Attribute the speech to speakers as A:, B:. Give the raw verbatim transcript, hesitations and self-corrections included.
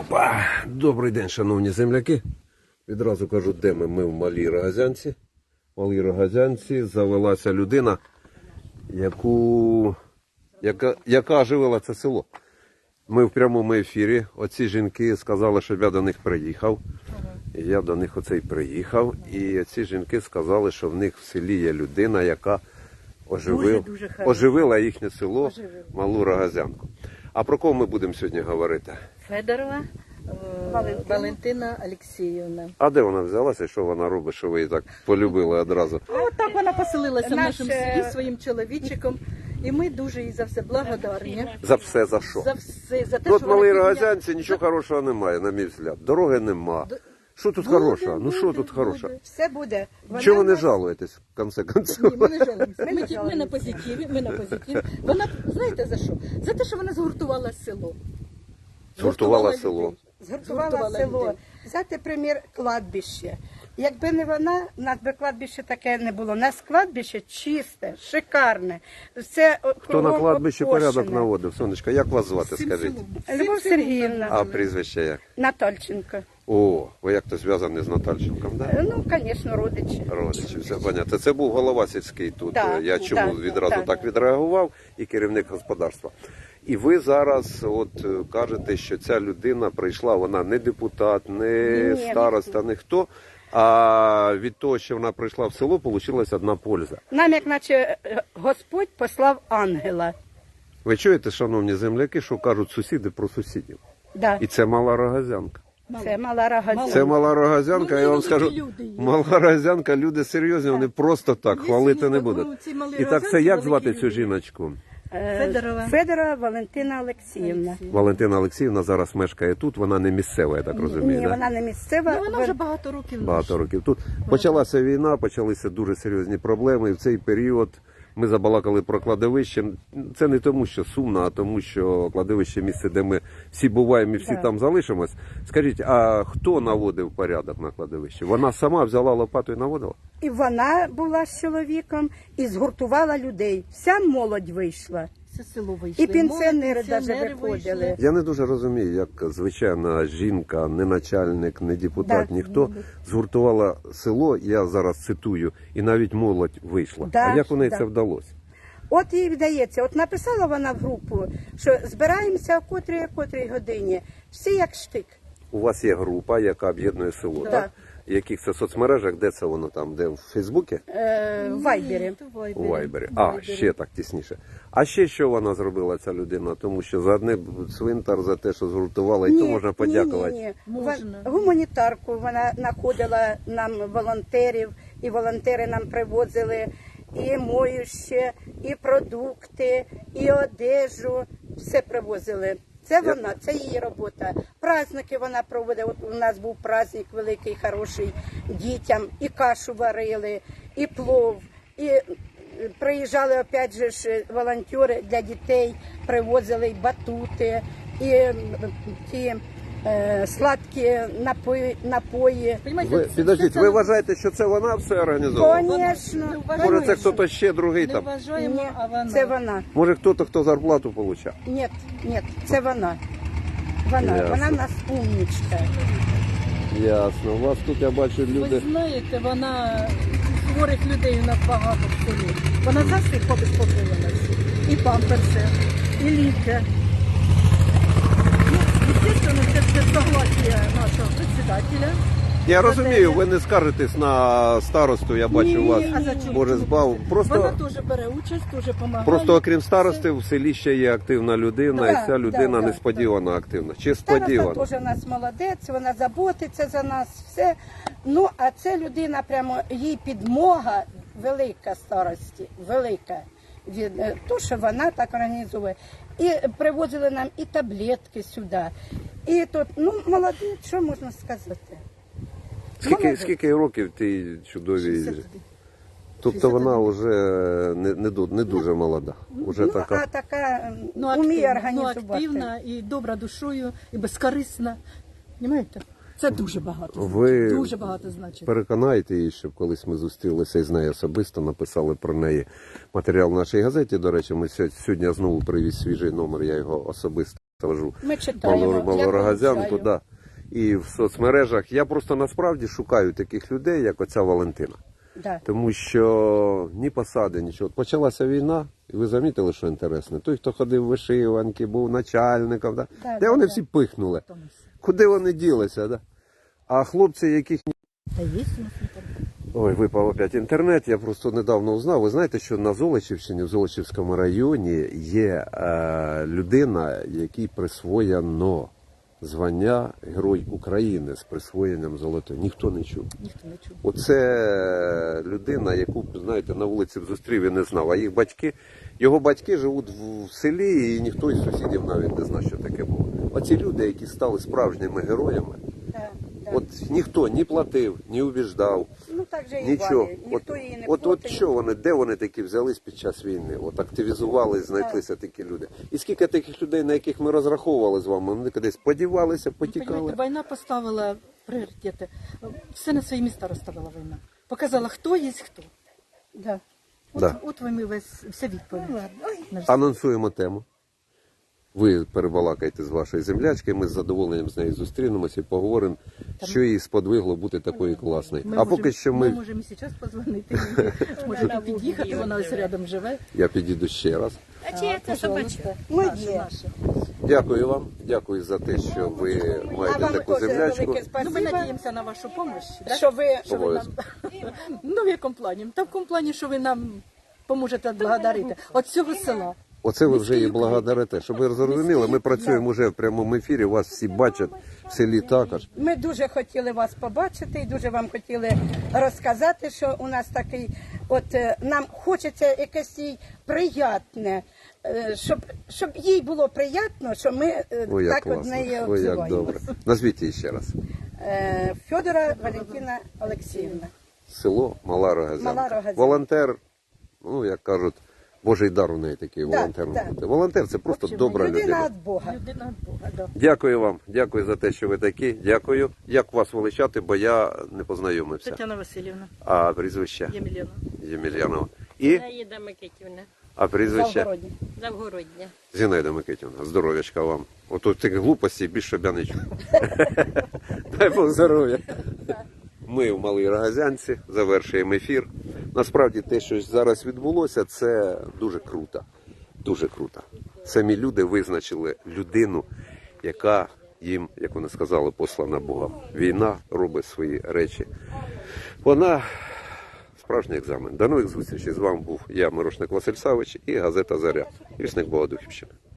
A: Опа! Добрий день, шановні земляки. Відразу кажу, де ми? Ми в Малій Рогозянці. В Малій Рогозянці завелася людина, яку, яка, яка оживила це село. Ми в прямому ефірі. Оці жінки сказали, щоб я до них приїхав. І я до них оцей приїхав. І ці жінки сказали, що в них в селі є людина, яка оживив, дуже, дуже оживила їхнє село, оживила. Малу Рогозянку. А про кого ми будемо сьогодні говорити?
B: Федорова Валентина, Валентина Олексіївна.
A: А де вона взялася, що вона робить, що ви її так полюбили одразу?
B: А от так вона поселилася в нашому селі своїм чоловічиком. І ми дуже їй за все благодарні.
A: За все, за що?
B: За все, за те,
A: Тут
B: що
A: в Малій
B: вона
A: Рогозянці нічого хорошого немає, на мій взгляд. Дороги нема. Що тут
B: буде,
A: хорошого? Ну що
B: буде,
A: тут хорошого?
B: буде.
C: Все буде. Вона
A: Чого ви не
C: нас-
A: жалуєтесь, в конце
B: Ні,
A: концов?
B: ми не жалуємося. Ми,
C: Ми
B: ті- ми на
C: жалуємося.
B: позитиві, ми на позитиві. Вона, знаєте за що? За те, що вона згуртувала село.
A: Згуртувала село.
B: людей.
C: Згуртувала
B: Згуртувала
C: село.
B: людей.
C: Взяти примір кладбище. Якби не вона, у нас би кладбище таке не було. У нас кладбище чисте, шикарне. Все
A: Хто на кладбищі порядок наводив? Сонечка, як вас звати,
B: Всім
A: скажіть?
B: селом.
C: Любов
B: Всім селом
C: Сергіївна.
A: А прізвище як?
C: Натальченко.
A: О, ви як-то зв'язані з Натальченком, да?
C: Ну, звісно, родичі.
A: Родичі, все понятно. Це був голова сільський тут.
C: Так,
A: Я чому
C: так,
A: відразу
C: так.
A: так відреагував, і керівник господарства. І ви зараз от е, кажете, що ця людина прийшла, вона не депутат, не
C: Ні,
A: староста, не хто. А від того, що вона прийшла в село, вийшла одна польза.
C: Нам, як наче е, Господь послав ангела.
A: Ви чуєте, шановні земляки, що кажуть сусіди про сусідів?
C: Да.
A: І це Мала Рогозянка.
C: Це мала Рогозянка.
A: Це Мала Рогозянка,
B: Ну,
A: я вам
B: люди,
A: скажу,
B: люди є.
A: Мала Рогозянка, люди серйозні, вони просто так, хвалити не
B: ну,
A: будуть.
B: ці Малі
A: І так, це
B: Рогозянці
A: як звати
B: великі
A: цю
B: люди.
A: жіночку?
C: Е,
B: Федорова.
C: Федорова Валентина Олексіївна.
A: Валентина Олексіївна зараз мешкає тут, вона не місцева, я так розумію.
C: Ні,
A: да?
C: вона не місцева.
B: Ну, вона вже багато років
A: Багато
B: наша.
A: років тут. Почалася війна, почалися дуже серйозні проблеми. І в цей період ми забалакали про кладовище. Це не тому, що сумно, а тому, що кладовище місце, де ми всі буваємо і всі
C: Так.
A: там залишимось. Скажіть, а хто наводив порядок на кладовищі? Вона сама взяла лопату і наводила?
C: І вона була з чоловіком і згуртувала людей. Вся молодь вийшла.
B: Це село вийшло.
C: І пенсіонери
B: Молоді,
C: даже
B: пенсіонери
C: виходили.
B: вийшли.
A: Я не дуже розумію, як звичайна жінка, не начальник, не депутат,
C: Да.
A: ніхто згуртувала село, я зараз цитую, і навіть молодь вийшла.
C: Да,
A: а як у неї
C: да.
A: це вдалося?
C: От їй вдається, от написала вона в групу, що збираємося о котрій, о котрій годині. Всі як штик.
A: У вас є група, яка об'єднує село, так?
C: Так.
A: В яких це соцмережах, де це воно там, де в Фейсбуці?
C: Е, в Вайбері.
B: Ні, то в
A: У Вайбері. А, ще так тісніше. А ще що вона зробила, ця людина? Тому що за одне цвинтар, за те, що згуртувала, і то можна подякувати.
C: Ні, ні, ні.
B: Можна.
C: Ва- Гуманітарку вона знаходила нам волонтерів, і волонтери нам привозили і моюще, і продукти, і одежу. Все привозили. Це вона, це її робота. Праздники вона проводить. От у нас був праздник великий, хороший дітям. І кашу варили, і плов, і е, приїжджали опять же ж волонтери для дітей, привозили і батути, і м, ті е, сладкі напої, напої.
B: Понімаєте,
A: Ви,
B: це-
A: підождіть,
B: це-
A: ви вважаєте, що це вона все організовувала?
C: Звісно,
B: Вона-
A: Може, це
C: конечно.
A: хтось ще другий
B: Не
A: там?
B: вважаємо,
C: Ні,
B: а вона.
C: це вона.
A: Може, хтось, хто зарплату отримав?
C: Ні, ні, це вона. Вона,
A: Ясно.
C: вона в нас умнічка.
A: Ясно. У вас тут, я бачу,
B: Ви
A: люди...
B: знаєте, вона хворих людей у нас багато в селі. Вона за всіх побезпокоїла всіх. І памперси, і ліки. Ну, звісно, це все согласія нашого председателя.
A: Я розумію, ви не скаржитесь на старосту, я бачу у вас,
B: а за чому?
A: може, збав.
B: Вона
A: Просто,
B: теж бере участь, теж допомагає.
A: просто окрім старости, в селі ще є активна людина,
C: Да,
A: і ця людина
C: да,
A: несподівано активна. Чи
C: Староста
A: сподівано?
C: теж у нас молодець, вона заботиться за нас, все. Ну, а це людина, прямо їй підмога велика старості, велика. Від е, то, що вона так організує. І привозили нам і таблетки сюди. І тут, ну, молодець, що можна сказати?
A: Скільки,
C: Молодець.
A: скільки років тій чудовій?
B: шістдесят.
A: Тобто вона вже не, не, ду- не дуже молода. Уже
C: Ну,
A: така.
C: а така
B: Ну,
C: м, вміє
B: активна, ну,
C: організувати.
B: активна і добра душою, і безкорисна. Понимаєте? Це дуже багато.
A: Ви
B: значить. Дуже багато значить.
A: переконайте її, щоб колись ми зустрілися із нею особисто, написали про неї матеріал в нашій газеті. До речі, ми сьогодні знову привіз свіжий номер, я його особисто завожу
B: Ми читаємо,
A: Малу-
B: я
A: Малорогазянку,
B: помічаю.
A: да. І в соцмережах. Я просто насправді шукаю таких людей, як оця Валентина.
C: Да.
A: Тому що ні посади, нічого. От почалася війна, і ви замітили, що інтересно. Той, хто ходив в вишиванки, був начальником, да?
C: Да,
A: де
C: да,
A: вони
C: да.
A: всі пихнули? Куди вони ділися? Да? А хлопці, яких
B: Та є у нас інтернет.
A: Ой, випав опять інтернет. Я просто недавно узнав. Ви знаєте, що на Золочівщині, в Золочівському районі є е, людина, якій присвоєно звання Герой України з присвоєнням золотої. Ніхто не чув.
B: Ніхто не чув.
A: Оце людина, яку, знаєте, на вулиці б зустрів і не знав. А їх батьки, його батьки живуть в, в селі, і ніхто із сусідів навіть не знає, що таке було. Оці люди, які стали справжніми героями,
C: Да, да.
A: от ніхто ні платив, ні убіждав.
C: Ну так же і
A: Нічого.
C: Валі.
A: От,
C: Ніхто її не
A: от, от
C: платить.
A: що вони, де вони такі взялись під час війни? От активізувались, знайшлися такі люди. І скільки таких людей, на яких ми розраховували з вами, вони кудись подівалися, потікали.
B: Понимаєте, війна поставила пріоритети. Все на свої міста розставила війна. Показала, хто є хто.
C: Да.
B: От,
A: Да.
B: от вам і весь, вся відповідь. На все.
A: Анонсуємо тему. Ви перебалакаєте з вашої землячки, ми з задоволенням з нею зустрінемося і поговоримо, що їй сподвигло бути такою класною.
B: Ми
A: А
B: можемо-
A: поки що
B: ми
A: ми...
B: можемо і зараз позвонити. Можемо під'їхати, вона ось рядом живе.
A: Я підійду ще раз.
D: А чия це собачка?
C: Моє.
B: Наше.
A: Дякую вам, дякую за те, що ви
C: А
A: маєте
C: вам
A: таку
C: теж
A: землячку.
C: велике
B: Ну, ми
C: спасибо,
B: надіємося на вашу допомогу. Да?
C: що ви,
B: Що ви нам... Ну, в якому плані? Та в якому плані, що ви нам поможете благодарити. От цього села.
A: Оце ви вже і благодарите. Щоб ви зрозуміли, ми працюємо вже в прямому ефірі, вас всі бачать в селі також.
C: ми дуже хотіли вас побачити і дуже вам хотіли розказати, що у нас такий, от е, нам хочеться якесь їй приятне, е, щоб, щоб їй було приємно, що ми е,
A: Ой, як
C: так од
A: класно,
C: неї
A: ой, як
C: обзиваємося.
A: добре. Назвіть її ще раз.
C: Е, Федора Валентина Олексіївна.
A: Село Мала Рогазянка.
C: Мала Рогазянка.
A: Волонтер, ну як кажуть, Божий дар у неї такий
C: Да,
A: волонтер.
C: да.
A: бути. Волонтер це просто
B: общем,
A: добра
C: Людина
A: людина.
C: від Бога.
B: Людина від Бога, да.
A: Дякую вам, дякую за те, що ви такі. Дякую. Як вас величати, бо я не познайомився.
B: Тетяна Васильівна,
A: А прізвище
B: Ємельяна.
A: Ємельянова. І
D: Наїда Микитівна,
A: а прізвище
C: Завгородня.
D: Завгородня.
A: Зінаїда Микитівна. Здоров'ячка вам. Ото тих глупостей більше щоб я не чув. Дай Бог здоров'я. Ми в Малій Рогазянці завершуємо ефір. Насправді те, що зараз відбулося, це дуже круто. Дуже круто. Самі люди визначили людину, яка їм, як вони сказали, послана Богом. Війна робить свої речі. Вона справжній екзамен. До нових зустрічей. З вами був я, Мирошник Василь Савич, і газета «Заря». Вісник Богодухівщини.